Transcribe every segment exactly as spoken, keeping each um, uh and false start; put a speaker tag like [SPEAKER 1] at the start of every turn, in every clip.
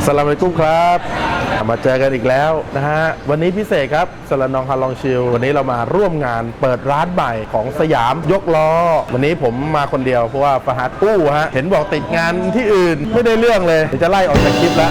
[SPEAKER 1] สลามอะลัยกุมครับมาเจอกันอีกแล้วนะฮะวันนี้พิเศษครับสลานองฮาลองชิลวันนี้เรามาร่วมงานเปิดร้านใหม่ของสยามยกล้อวันนี้ผมมาคนเดียวเพราะว่าฟาฮัดอู้ฮะเห็นบอกติดงานที่อื่นไม่ได้เรื่องเลยจะไล่ออกจากคลิปแล้ว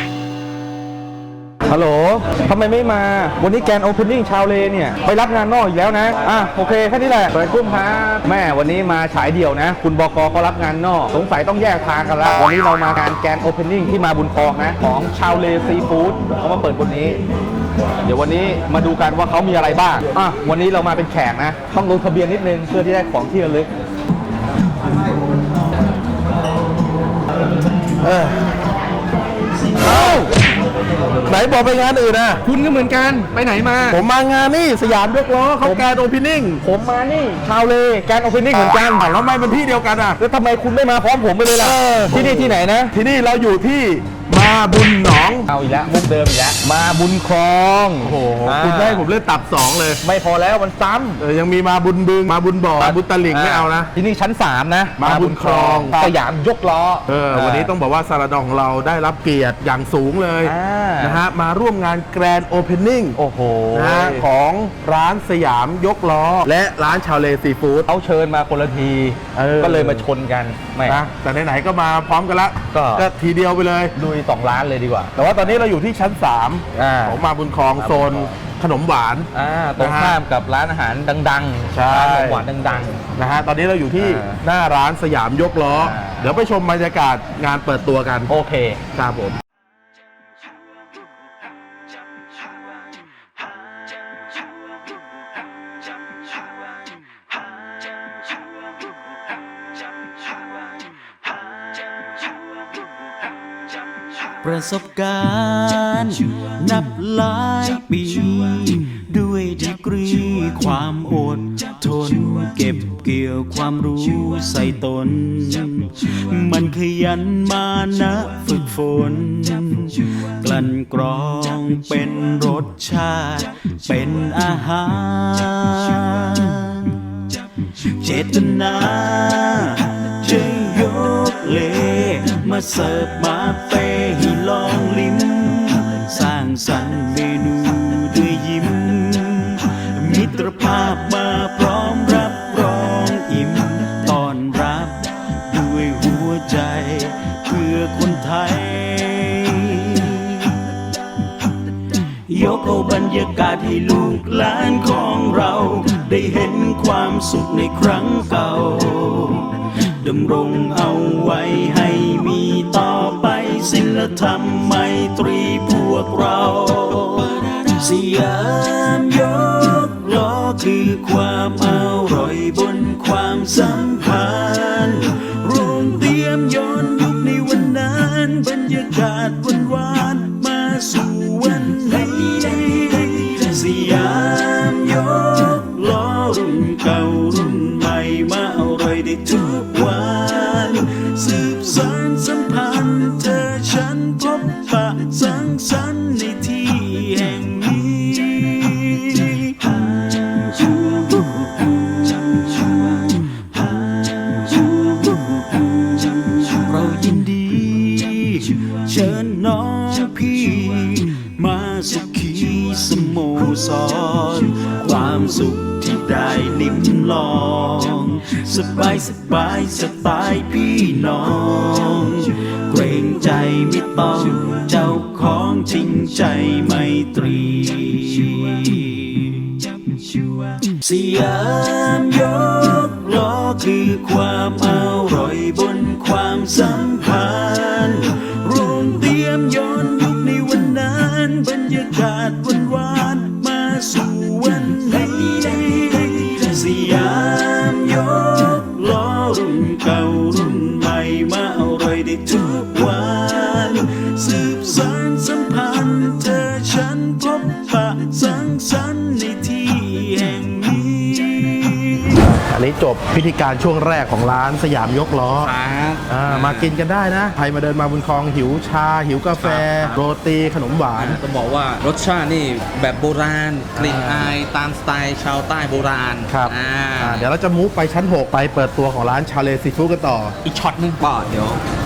[SPEAKER 2] ฮัลโหลทำไมไม่มาวันนี้แกนโอเพนนิ่งชาวเลเนี่ยไปรับงานนอกอีกแล้วนะอ่ะโอเคแค่นี้แหละเปิดกุ้มครับแม่วันนี้มาฉายเดี่ยวนะคุณบกก็รับงานนอกสงสัยต้องแยกทางกันแล้ววันนี้เรามางานแกนโอเพนนิ่งที่มาบุญครองนะของชาวเลซีฟู้ดเขามาเปิดวันนี้เดี๋ยววันนี้มาดูกันว่าเขามีอะไรบ้างอ่ะวันนี้เรามาเป็นแขกนะต้องลงทะเบียนนิดนึงเพื่อที่ได้ของที่ระลึก
[SPEAKER 1] เออเอ้าไหนบอกไปงานอื่นนะ
[SPEAKER 2] คุณก็เหมือนกันไปไหนมา
[SPEAKER 1] ผมมางานนี่สยามยกล้อเขาแกนโอเพนนิ่ง
[SPEAKER 2] ผมมานี่ชาวเลแกนโอเพนนิ่งเหมือนกัน
[SPEAKER 1] แล้วทำไมเป็นที่เดียวกันอ่ะ
[SPEAKER 2] แล้วทำไมคุณไม่มาพร้อมผมไปเลยล่ะที่นี่ที่ไหนนะ
[SPEAKER 1] ที่นี่เราอยู่ที่มาบุญหนอง
[SPEAKER 2] เอาอีกแล้วมุกเดิมอีกแล้วมาบุญครอง
[SPEAKER 1] โอ้โหคุณได้ผมเล่นตับสองเลย
[SPEAKER 2] ไม่พอแล้วมันซ้ำ
[SPEAKER 1] เออยังมีมาบุญบึงมาบุญบ่อมาบุญตลิ่งไม่เอานะ
[SPEAKER 2] ที่นี่ชั้นสามนะ
[SPEAKER 1] มาบุญครอง
[SPEAKER 2] สยามยกล้อ
[SPEAKER 1] เออวันนี้ต้องบอกว่าซาลาดองของเราได้รับเกียรติอย่างสูงเลยนะฮะมาร่วมงานแกรนด์โอเพนนิ่ง
[SPEAKER 2] โอ้โห
[SPEAKER 1] นะฮะของร้านสยามยกล้อและร้านชาวเลซีฟู้ด
[SPEAKER 2] เขาเชิญมาคนละทีก็เลยมาชนกันไม่
[SPEAKER 1] นะแต่ไหนๆก็มาพร้อมกันละก็ทีเดียวไปเลย
[SPEAKER 2] ลุยสองร้านเลยดีกว่า
[SPEAKER 1] แต่ว่าตอนนี้เราอยู่ที่ชั้นสามของมาบุญครองโซนขนมหวาน
[SPEAKER 2] ตรงข้ามกับร้านอาหารดังๆร้านขนมหวานดัง
[SPEAKER 1] ๆนะฮะตอนนี้เราอยู่ที่หน้าร้านสยามยกล้อเดี๋ยวไปชมบรรยากาศงานเปิดตัวกัน
[SPEAKER 2] โอเค
[SPEAKER 1] ครับผม
[SPEAKER 3] ประสบการณ์นับหลายปีด้วยดีกรีความอดทนเก็บเกี่ยวความรู้ใส่ตนมันขยันมานะฝึกฝนกลั่นกรองเป็นรสชาติเป็นอาหารเจตนาจะยกเลมาเสิร์ฟมาเปให้ลองลิ้มสร้างสรรค์เมนูด้วยยิ้มมิตรภาพมาพร้อมรับรองอิ่มต้อนรับด้วยหัวใจเพื่อคนไทยยกเอาบรรยากาศให้ลูกหลานของเราได้เห็นความสุขในครั้งเก่าดำรงเอาไว้ให้มีต่อไปศีลธรรมไมตรีพวกเราสยามยกล้อคือความอร่อยบนความสัมพันธ์รวมเตรียมย้อนยุคในวันนั้นบรรยากาศวันวานมาสู่วันนี้สยามยกล้อรุ่นเก่ารุ่นใหม่มาอร่อยได้ทุกวันสืบสานสัมพันธ์เธอฉันพบปะสังสรรค์ในที่แห่งนี้เรายินดีเชิญน้องพี่มาสุขีสโมสรความสุขที่ได้ลิ้มลองสบายสบายสไตล์พี่น้องเกรงใจไม่ต้องเจ้าของจริงใจไมตรีสยามยกล้อคือความอร่อยบนความสัมพันธ์รวมเตรียมย้อนยุคในวันนั้นบรรยากาศวันวานมาสู่วันนี้สยามยกล้อรุ่นเก่ารุ่นใหม่มาอร่อยได้ทุกวันสืบสานสัมพันธ์เธอฉันพบปะสังสรรค์ในที่แห่งนี้
[SPEAKER 1] อันนี้จบพิธีการช่วงแรกของร้านสยามยกล้อมากินกันได้นะใครมาเดินมาบุญครองหิวชาหิวกาแฟโรตีขนมหวาน
[SPEAKER 2] ต้องบอกว่ารสชาตินี่แบบโบราณกลิ่นอายตามสไตล์ชาวใต้โบราณ
[SPEAKER 1] ครับเดี๋ยวเราจะมูฟไปชั้นหกไปเปิดตัวของร้านชาเลซีฟู้ดกันต่อ
[SPEAKER 2] อีกช็อตนึงป่ะเดี๋ยว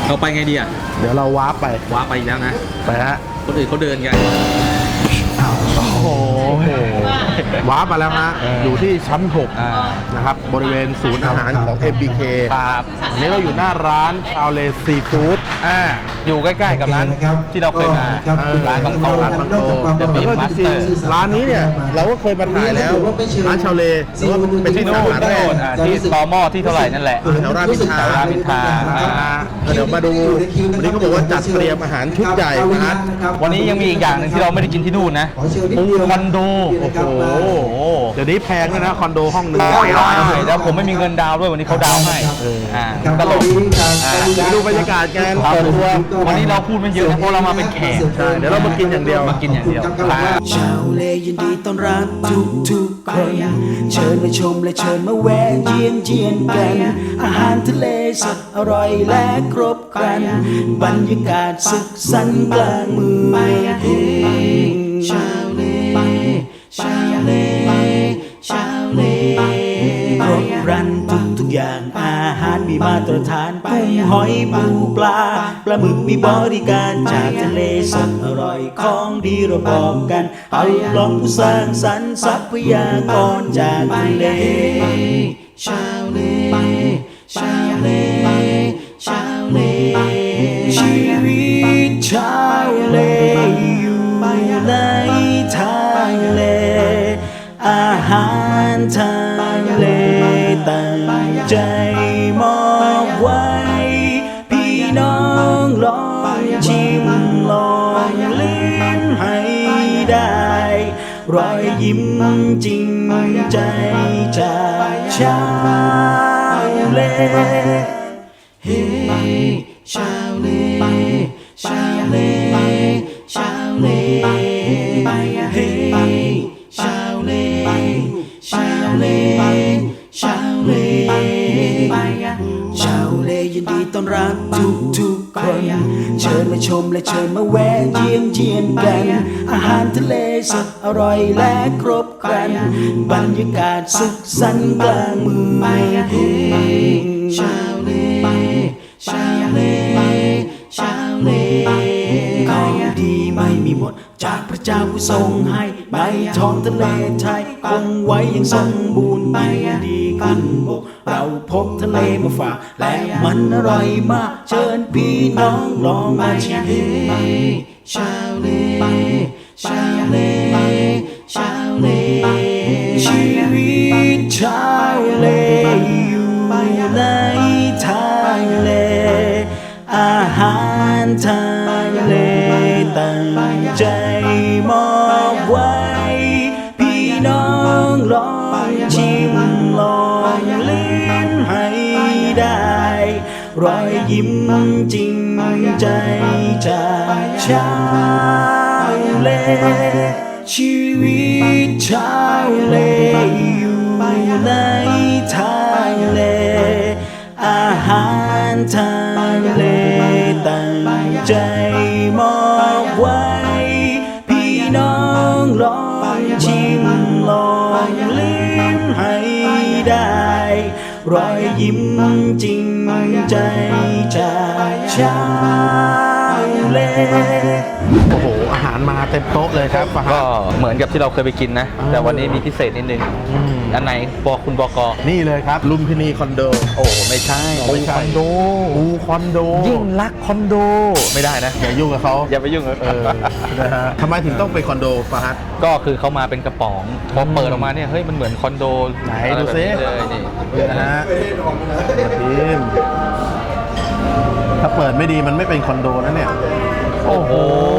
[SPEAKER 2] เราไปไงดีอ่ะ
[SPEAKER 1] เดี๋ยวเราวาร์ปไป
[SPEAKER 2] ว้าไปอีกแล้วนะ
[SPEAKER 1] ไปฮะ
[SPEAKER 2] คนอื่นเขาเดินกัน
[SPEAKER 1] โอ้โหวาร์ปมาแล้วฮะ
[SPEAKER 2] เออ
[SPEAKER 1] อ
[SPEAKER 2] อ
[SPEAKER 1] ยู่ที่ชั้นหก
[SPEAKER 2] อ่า
[SPEAKER 1] นะครับบริเวณศูนย์อาหารของ เอ็ม บี เค
[SPEAKER 2] ครับ
[SPEAKER 1] วันนี้เราอยู่หน้าร้านชาวเลซีฟู้ด
[SPEAKER 2] อ่าอยู่ใกล้ๆกับร้านที่เราเคยมา
[SPEAKER 1] ครับ
[SPEAKER 2] ร้านของโตร้านของโตเดอะบี
[SPEAKER 1] แล้วก็
[SPEAKER 2] มา
[SPEAKER 1] จ
[SPEAKER 2] ส
[SPEAKER 1] ริ
[SPEAKER 2] เต
[SPEAKER 1] ง
[SPEAKER 2] อร์
[SPEAKER 1] ๆร้านนี้เนี่ยเราก็เคยมาถ่ายแล้วร้านชาวเลหรือว่าเป็นที่
[SPEAKER 2] ที่
[SPEAKER 1] สา
[SPEAKER 2] โน่น
[SPEAKER 1] ขา
[SPEAKER 2] ที่
[SPEAKER 1] แร
[SPEAKER 2] โน่
[SPEAKER 1] ก
[SPEAKER 2] นอ่าที่ตอหม้อที่เท่าไหร่นั่นแหละ
[SPEAKER 1] แถวรามอินทราร
[SPEAKER 2] ามอินทรา
[SPEAKER 1] อ่าเดี๋ยวมาดูวันนี้เขาบอกว่าจัดเตรียมอาหารชุดใหญ่นะฮะ
[SPEAKER 2] วันนี้ยังมีอีกอย่างหนึ่งที่เราไม่ได้กินที่นู่นนะปูคอนโด
[SPEAKER 1] โอ้โหเดี๋ยวนี้แพงด้วยนะคอนโดห้องหนึง
[SPEAKER 2] ใช่แล้วผมไม่มีเงินดาวน์ด้วยวันนี้เขาดาวน์ให้อ่าตลกอ่า
[SPEAKER 1] เดี๋ยวดูบรรยากาศกัน
[SPEAKER 2] ครับ
[SPEAKER 1] เปิดตัว
[SPEAKER 2] วันนี้เราพูดไม่เยอะนะเพราะเรามาเป็นแขก
[SPEAKER 1] ใช่เดี๋ยวเรามากินอย่างเดียว
[SPEAKER 2] มากินอย่างเดียวครับ
[SPEAKER 3] ชาวเลยินดีต้อนรับทุกทุกๆคน เชิญมาชมและเชิญมาแวะเยียนเยียนกัน อาหารทะเลสดอร่อยและครบครัน บรรยากาศสุขสันต์กลางเมืองเฮ้ชาวเลชาวเลชาวเลครบครันทุกทุกๆอย่างอาหารมีมาตรฐานกุ้งหอยปูปลาปลาหมึกมีบริการจากทะเลสดอร่อยของดีเราบอกกันเอาลองผู้สร้างสรรค์ทรัพยากรจากทะเลชาวเลชาวเลชาวเลชีวิตชาวเลอยู่ในทะเลอาหารทะเลตั้งใจมอบไว้ พี่น้องลองชิมลองลิ้มให้ได้ รอยยิ้มจริงใจจากชาวเลเฮ้ชาวเลชาวเลชาวเลเฮ้ชาวเลชาวเลชาวเลชาวเลยินดีต้อนรับทุกทุกๆคน เชิญมาชมและเชิญมาแวะเยียนเยียนกัน อาหารทะเลสดอร่อยและครบครัน บรรยากาศสุขสันต์กลางเมืองเฮ้ชาวเลชาวเลชาวเลของดีไม่มีหมดจากพระเจ้าผู้ทรงให้ใบท้องทะเลไทยคงไว้อย่างสมบูรณ์ยิ่งดีขึ้นบกเราพบทะเลมาฝากและมันอร่อยมากเชิญพี่น้องลองมาชิมชาวเลชาวเลชาวเลชีวิตชาวเลอยู่ในทะเลอาหารทะเลตั้งใจมอบไว้ พี่น้องลองชิมลองลิ้มให้ได้ รอยยิ้มจริงใจจากชาวเลชีวิตชาวเลอยู่ในทะเลอาหารทะเลตั้งใจมอบไว้ พี่น้องลองชิมลองลิ้มให้ได้ รอยยิ้มจริงใจจากชาวเล
[SPEAKER 1] โอ้โหอาหารมาเต็มโต๊ะเลยครับฟาฮั
[SPEAKER 2] ก็
[SPEAKER 1] ด
[SPEAKER 2] เหมือนกับที่เราเคยไปกินนะ
[SPEAKER 1] อ่า
[SPEAKER 2] แต่วันนี้มีพิเศษนิดนึง
[SPEAKER 1] อืม
[SPEAKER 2] อันไหนบอกคุณบอกอ
[SPEAKER 1] นี่เลยครับลุมพินีคอนโด
[SPEAKER 2] โอ้ไม่ใช่
[SPEAKER 1] ไม่ใช่
[SPEAKER 2] คอนโด
[SPEAKER 1] อูคอนโด
[SPEAKER 2] ยิ่งรักคอนโดไม่ได้นะ
[SPEAKER 1] อย่ายุ่งกับเขา
[SPEAKER 2] อย่าไปยุ่งเลย
[SPEAKER 1] เออนะฮะทำไมถึงต้องเป็นคอนโดฟาฮัด
[SPEAKER 2] ก็คือเขามาเป็นกระป๋องพอเปิดออกมาเนี่ยเฮ้ยมันเหมือนคอนโด
[SPEAKER 1] ไหน
[SPEAKER 2] อะไร
[SPEAKER 1] ดู
[SPEAKER 2] แบบ
[SPEAKER 1] ซิ
[SPEAKER 2] นี้เลยนี่
[SPEAKER 1] นะฮะทีมถ้าเปิดไม่ดีมันไม่เป็นคอนโดนะเนี่ย
[SPEAKER 2] โอ้โห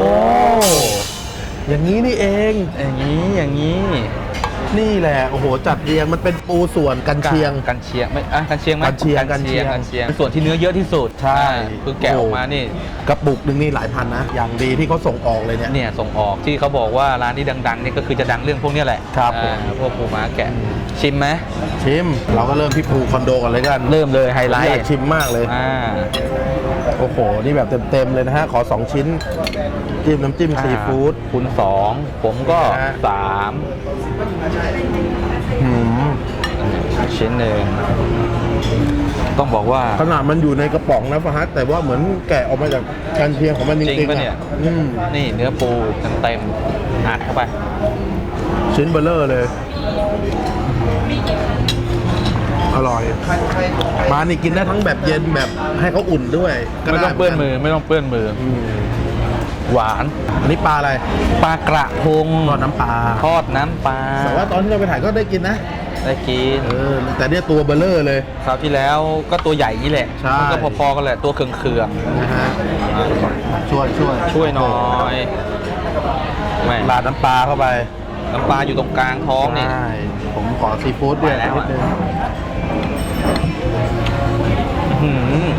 [SPEAKER 1] อย่างนี้นี่เอง
[SPEAKER 2] อย่างนี้อย่างนี้
[SPEAKER 1] นี่แหละโอ้โหจัดเรียงมันเป็นปูส่วนกันเชียง
[SPEAKER 2] กันเชียงไม่อ่ะกันเชียงไหม
[SPEAKER 1] กันเชียงกันเชียง
[SPEAKER 2] กันเชียงเป็นส่วนที่เนื้อเยอะที่สุด
[SPEAKER 1] ใช่
[SPEAKER 2] คือแกะออกมานี่
[SPEAKER 1] กระปุกหนึ่งนี่หลายพันนะ อย่างดีที่เขาส่งออกเลยเนี่ย
[SPEAKER 2] เนี่ยส่งออกที่เขาบอกว่าร้านที่ดังๆนี่ก็คือจะดังเรื่องพวกเนี้ยแหละ
[SPEAKER 1] ครับผม
[SPEAKER 2] อ่าพวกปูม้าแกะชิมไหม
[SPEAKER 1] ชิมเราก็เริ่มที่ปูคอนโดกันเลยกัน
[SPEAKER 2] เริ่มเลยไฮไล
[SPEAKER 1] อยาก
[SPEAKER 2] ท์
[SPEAKER 1] ชิมมากเลย
[SPEAKER 2] อ่า
[SPEAKER 1] โอ้โห นี่แบบเต็มๆเลยนะฮะ ขอ สอง ชิ้น จิ้มน้ำจิ้มซีฟู้ด
[SPEAKER 2] คูณสองผมก็
[SPEAKER 1] นะฮะ
[SPEAKER 2] สาม
[SPEAKER 1] หืม
[SPEAKER 2] ชิ้นหนึ่งต้องบอกว่า
[SPEAKER 1] ขนาดมันอยู่ในกระป๋องนะฟาฮัดแต่ว่าเหมือนแกะออกมาจากแกันเชียงของมันจ
[SPEAKER 2] จริ
[SPEAKER 1] ริง
[SPEAKER 2] ง
[SPEAKER 1] ๆ
[SPEAKER 2] ปะเนี่ย
[SPEAKER 1] อ่ะอืม
[SPEAKER 2] นี่เนื้อปูเต็มๆอัดเข้าไป
[SPEAKER 1] ชิ้นเบลเลอร์เลย อร่อย มานี่กินได้ทั้งแบบเย็นแบบให้เขาอุ่นด้วยก็
[SPEAKER 2] ไม่
[SPEAKER 1] ด้
[SPEAKER 2] ต้องเปื้อนมือไม่ต้องเปื้อนมือ
[SPEAKER 1] อืม
[SPEAKER 2] หวาน
[SPEAKER 1] อันนี้ปลาอะไร
[SPEAKER 2] ปลากระพง
[SPEAKER 1] ทอดน้ำปลา
[SPEAKER 2] ทอดน้ำปลา
[SPEAKER 1] แต่ว่าตอนที่เราไปถ่ายก็ได้กินนะ
[SPEAKER 2] ได้กิน
[SPEAKER 1] เออ แต่เนี่ยตัวเบลเลอร์เลย
[SPEAKER 2] คราวที่แล้วก็ตัวใหญ่นี่แหละ
[SPEAKER 1] ใช่
[SPEAKER 2] มันก็พอๆกันแหละตัวเคือง
[SPEAKER 1] นะฮะ ช่วยช่วย
[SPEAKER 2] ๆช่วยหน่อยแม่
[SPEAKER 1] ราดน้ำปลาเข้าไป
[SPEAKER 2] น้ำปลาอยู่ตรงกลางท้องนี่
[SPEAKER 1] ใช่ผมขอซีฟู้ดด้วย
[SPEAKER 2] ไปแล้ว
[SPEAKER 1] นิดนึง
[SPEAKER 2] อื้อหือ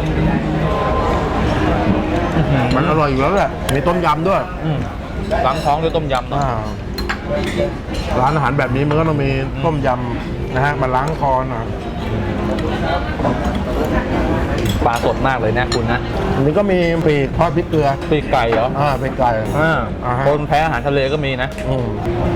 [SPEAKER 2] อื้อหือ
[SPEAKER 1] มันอร่อยอยู่แล้วแหละ มีต้มยำด้วย
[SPEAKER 2] อืมล้างท้องด้วยต้มยำเนอะ
[SPEAKER 1] อ่าร้านอาหารแบบนี้มันก็ต้องมีต้มยำนะฮะมาล้างคอหน่อย
[SPEAKER 2] ปลาสดมากเลยนะคุณนะ
[SPEAKER 1] อันนี้ก็มีปีกทอดพริกเกลือ
[SPEAKER 2] ปีกไก่เหรอ
[SPEAKER 1] อ่าเป็นไก่
[SPEAKER 2] อ่า
[SPEAKER 1] อ่าฮะ
[SPEAKER 2] คนแพ้อาหารทะเลก็มีนะ
[SPEAKER 1] อืม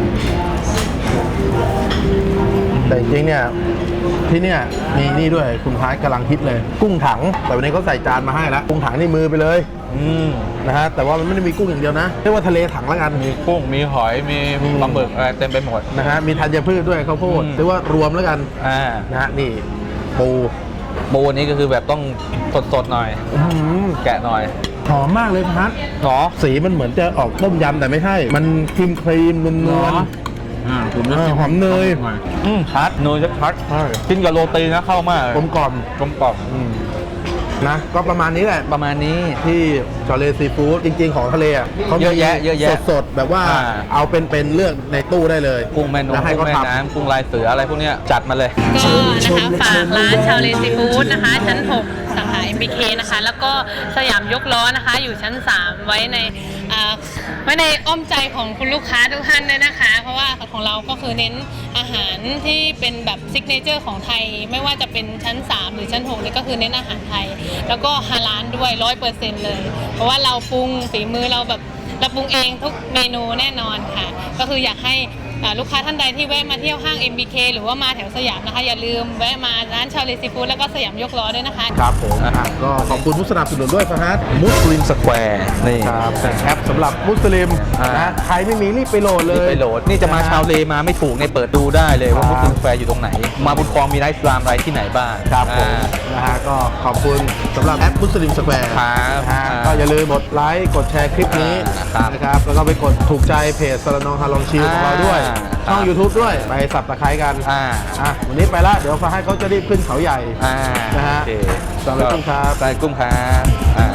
[SPEAKER 1] แต่จริงๆเนี่ยที่เนี่ยมีนี่ด้วยคุณพายกำลังฮิตเลย กุ้งถัง แต่วันนี้เขาใส่จานมาให้แล้วกุ้งถังนี่มือไปเลย
[SPEAKER 2] อืม
[SPEAKER 1] นะฮะแต่ว่ามันไม่ได้มีกุ้งอย่างเดียวนะเรียกว่าทะเลถังแล้วกัน
[SPEAKER 2] มีกุ้งมีหอยมี
[SPEAKER 1] อืม
[SPEAKER 2] ปลาหมึกอะไรเต็มไปหมด
[SPEAKER 1] นะฮะมีธัญพืชด้วยข้าวโพด
[SPEAKER 2] อืม
[SPEAKER 1] เรียกว่ารวมแล้วกัน
[SPEAKER 2] อ่า
[SPEAKER 1] นะฮะนี่ปู
[SPEAKER 2] ปูนี้ก็คือแบบต้องสดๆหน่อย
[SPEAKER 1] อื้อหือ
[SPEAKER 2] แกะหน่อย
[SPEAKER 1] หอมมากเลยพัด
[SPEAKER 2] หรอ
[SPEAKER 1] สีมันเหมือนจะออกต้มยำแต่ไม่ใช่ มันครีมครีมๆนวลนวล
[SPEAKER 2] อ่าผม
[SPEAKER 1] เออหอมเนย
[SPEAKER 2] อืมชัดเนยชัด
[SPEAKER 1] ใช่
[SPEAKER 2] ๆกินกับโรตีนะเข้ามากเลย
[SPEAKER 1] กลมกล่อม
[SPEAKER 2] กลมกล่อม
[SPEAKER 1] อืมนะก็ประมาณนี้แหละ
[SPEAKER 2] ประมาณนี้
[SPEAKER 1] ที่ชอเลซีฟู้ดจริง ๆ ของทะเลอ่ะเขา
[SPEAKER 2] เยอะแยะเยอะแยะ
[SPEAKER 1] สดๆ แบบว่า
[SPEAKER 2] อ่า
[SPEAKER 1] เอาเป็นๆเลือกในตู้ได้เลย
[SPEAKER 2] กุ้งแม่นง
[SPEAKER 1] แล้วให้
[SPEAKER 2] กุ้
[SPEAKER 1] เขา
[SPEAKER 2] งแม่
[SPEAKER 1] ท
[SPEAKER 2] น้ำกุ้งลายเสืออะไรพวกเนี้ยจัดมาเลย
[SPEAKER 4] ก็นะคะฝากร้านชาวเลซีฟู้ดนะคะ ชั้น หก สาขา เอ็ม บี เค นะคะ แล้วก็สยามยกล้อนะคะ อยู่ชั้น สาม ไว้ในอ่าไว้ในอ้อมใจของคุณลูกค้าทุกท่านด้วยนะคะ เพราะว่าของเราก็คือเน้นอาหารที่เป็นแบบซิกเนเจอร์ของไทย ไม่ว่าจะเป็นชั้น สาม หรือชั้น หกนี่ก็คือเน้นอาหารไทย แล้วก็ฮาลาลด้วย ร้อยเปอร์เซ็นต์ เลย เพราะว่าเราปรุงฝีมือเราแบบเราปรุงเองทุกเมนูแน่นอนค่ะ ก็คืออยากให้อ่าลูกค้าท่านใดที่แวะมาเที่ยวห้าง เอ็ม บี เค หรือว่ามาแถวสยามนะคะ อย่าลืมแวะมาร้านชาวเลซีฟู้ดแล้วก็สยามยกล้อด้วยนะคะ
[SPEAKER 1] ำครับผมอ่ะก็ขอบคุณผู้สนับสนุนด้วยฟาฮัด
[SPEAKER 2] มุสลิมสแควร์นี่
[SPEAKER 1] ครับแอปสำหรับมุสลิม
[SPEAKER 2] อ่าน
[SPEAKER 1] นะใครไม่มีรีบไปโหลดเลย
[SPEAKER 2] ไปโหลดนี่จะมาชาวเลมาไม่ถูกในเปิดดูได้เลยว่า
[SPEAKER 1] ครับ
[SPEAKER 2] มุสลิมสแควร์อยู่ตรงไหน มาบุญครองมีไลฟ์สลามอะไรที่ไหนบ้าง
[SPEAKER 1] ครับผม
[SPEAKER 2] อ่า
[SPEAKER 1] นะฮะก็ขอบคุณสำหรับแอปมุสลิมสแควร์
[SPEAKER 2] ครับ
[SPEAKER 1] นะฮะ
[SPEAKER 2] อ่า
[SPEAKER 1] ก็อย่าลืมกดไลค์กดแชร์คลิปนี้
[SPEAKER 2] อ่าครับ
[SPEAKER 1] นะครับแล้วก็ไปกดถูกใจเพจสารนองฮาลองชิลของเราด้วย
[SPEAKER 2] อ่า
[SPEAKER 1] ช่อง
[SPEAKER 2] ครับ
[SPEAKER 1] YouTube ด้วยไปสับตะไคร้กัน
[SPEAKER 2] อ่า
[SPEAKER 1] อ่ะวันนี้ไปละเดี๋ยวฟาให้เขาจะรีบขึ้นเขาใหญ่
[SPEAKER 2] อ่า
[SPEAKER 1] นะฮะ
[SPEAKER 2] โอเค
[SPEAKER 1] สวัสดีครับ
[SPEAKER 2] สวัสดีกุ้งครับอ่า